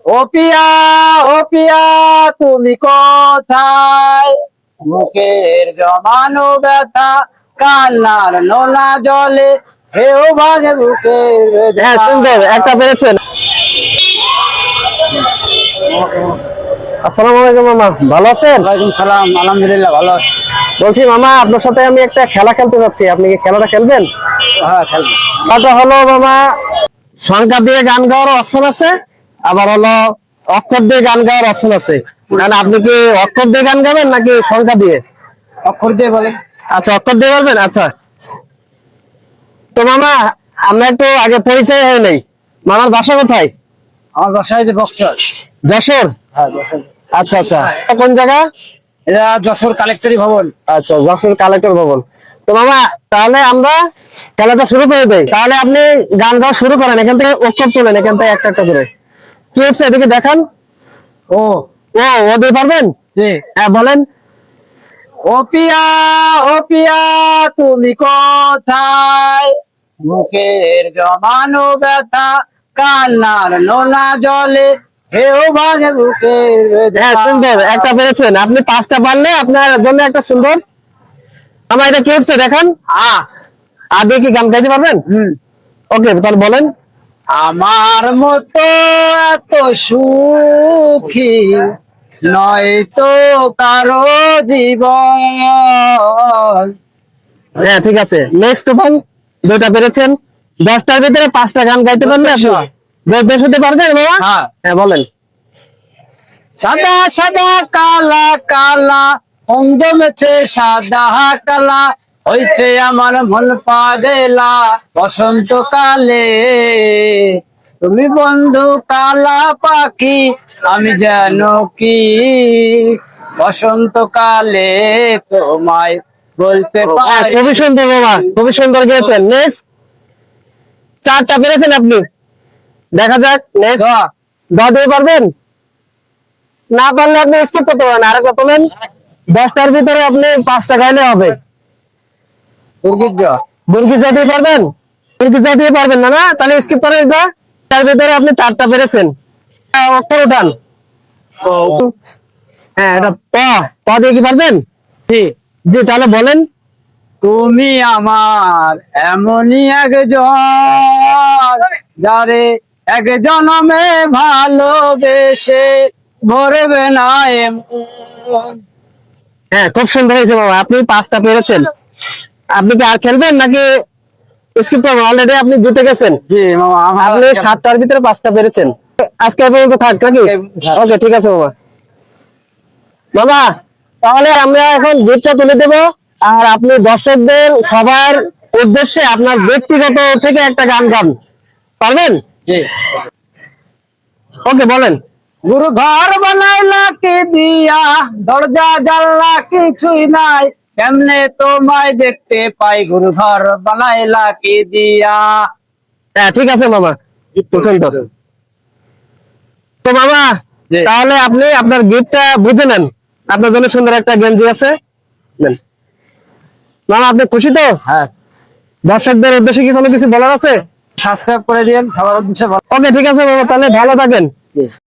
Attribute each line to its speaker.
Speaker 1: ও পিয়া তুমি কোথায়? মুখের জমানো ব্যথা কান্নার নোনা জলে হেও ভাগে বুকের ব্যথা।
Speaker 2: হ্যাঁ সুন্দর, একটা পেরেছেন। আসসালামু আলাইকুম মামা, ভালো আছেন?
Speaker 1: ওয়ালাইকুম সালাম, আলহামদুলিল্লাহ ভালো আছি।
Speaker 2: বলছি মামা, আপনার সাথে আমি একটা খেলা খেলতে যাচ্ছি, আপনি কি খেলাটা খেলবেন?
Speaker 1: হ্যাঁ খেলবো।
Speaker 2: খেলাটা হলো মামা, সংখ্যা দিয়ে গান গাওয়ার অপশন আছে, আবার হলো অক্ষর দিয়ে গান গাওয়ার অপশন আছে। মানে আপনি কি অক্ষর দিয়ে গান গাবেন নাকি সংখ্যা দিয়ে?
Speaker 1: অক্ষর দিয়ে বলে।
Speaker 2: আচ্ছা, অক্ষর দিয়ে বলবেন। আচ্ছা, তো মামা আমরা একটু আগে পরিচয় হয় নাই, মামার বাসা কোথায়?
Speaker 1: আমার বাসায় যে বক্সর।
Speaker 2: যশোর?
Speaker 1: হ্যাঁ যশোর।
Speaker 2: আচ্ছা আচ্ছা, কোন জায়গা?
Speaker 1: এটা যশোর কালেক্টরি ভবন।
Speaker 2: আচ্ছা, যশোর কালেক্টর ভবন। তো মামা তাহলে আমরা খেলাটা শুরু করে দেই। তাহলে আপনি গান গাওয়া শুরু করেন, এখান থেকে অক্ষর তোলেন, এখান থেকে একটা একটা করে। কি হচ্ছে এদিকে দেখান।
Speaker 1: ও
Speaker 2: ও দিয়ে পারবেন?
Speaker 1: জি।
Speaker 2: হ্যাঁ বলেন।
Speaker 1: ও পিয়া তুমি কোথায়? মুখের জমানো ব্যথা কান্নার নোনা জলে হেও ভাগে বুকের
Speaker 2: হ্যাঁ
Speaker 1: ব্যথা।
Speaker 2: সুন্দর, একটা পেরেছেন আপনি। পাঁচটা পারলে আপনার জন্য একটা সুন্দর। আমার এটা কি হচ্ছে দেখান। আগে কি গান গাইতে পারবেন? ওকে, তাহলে বলেন।
Speaker 1: আমার মতো এত সুখী নয় তো কারো জীবন।
Speaker 2: হ্যাঁ ঠিক আছে, নেক্সট ওয়ান। দুইটা পেরেছেন। 10টার ভিতরে 5টা গান গাইতে পারলে আপনি বেশ হতে পারবেন বাবা। হ্যাঁ বলেন।
Speaker 1: সাদা সাদা কালা কালা অঙ্গ মেছে সাদা কালা হয়েছে আমার মন পাগলা বসন্তকালে। তুমি বন্ধু কালা পাখি আমি যেন কি বসন্তকালে তোমায় বলতে
Speaker 2: হ্যাঁ,
Speaker 1: পারি।
Speaker 2: খুবই সুন্দর বাবা, খুবই সুন্দর গেয়েছেন। নেক্সট 4টা পেরেছেন আপনি। দেখা যাক নেক্সট। দিয়ে পারবেন? না পারলে আপনি স্কিপ করতে পারেন। আরেকটা তোলেন। 10টার ভিতরে আপনি 5টা গাইলে হবে। বুর্গি দিয়ে পারবেন? বুর্গি দিয়ে পারবেন না? না তাহলে স্কিপ করেন। এটা তার ভিতরে আপনি 4টা পেরেছেন। অক্ষর উঠান। হ্যাঁ, এটা ত দিয়ে কি পারবেন? জি, তাহলে বলেন।
Speaker 1: তুমি আমার এমনই একজন যারে এক জনমে ভালোবেসে ভরবে না এমন।
Speaker 2: হ্যাঁ, খুব সুন্দর হয়েছে বাবা, আপনি 5টা পেরেছেন। আপনি কি আর খেলবেন নাকি স্কিপ করবেন? অলরেডি আপনি জিতে গেছেন।
Speaker 1: জি মামা,
Speaker 2: আপনি 7টার ভিতরে 5টা পেরেছেন। আজকে এই পর্যন্ত থাক নাকি? ওকে ঠিক আছে বাবা। বাবা তাহলে আমরা এখন গিফটটা তুলে দেব, আর আপনি দর্শকদের সবার উদ্দেশ্যে আপনার ব্যক্তিগত থেকে একটা গান গান পারবেন? ওকে বলেন।
Speaker 1: গুরু ঘর বানাইলা কি দিয়া দরজা জানলা কিছুই নাই কেমনে তোমায় দেখতে পাই গুরু ঘর বানাইলা কি দিয়া।
Speaker 2: হ্যাঁ ঠিক আছে মামা। তো মামা তাহলে আপনি আপনার গিফটটা বুঝে নেন। আপনার জন্য সুন্দর একটা গেঞ্জি আছে, নেন। মামা আপনি খুশি তো?
Speaker 1: হ্যাঁ।
Speaker 2: দর্শকদের উদ্দেশ্যে কি কোনো কিছু বলার আছে?
Speaker 1: সাবস্ক্রাইব করে দিন সবার উদ্দেশ্যে।
Speaker 2: ওকে ঠিক আছে বাবা, তাহলে ভালো থাকেন।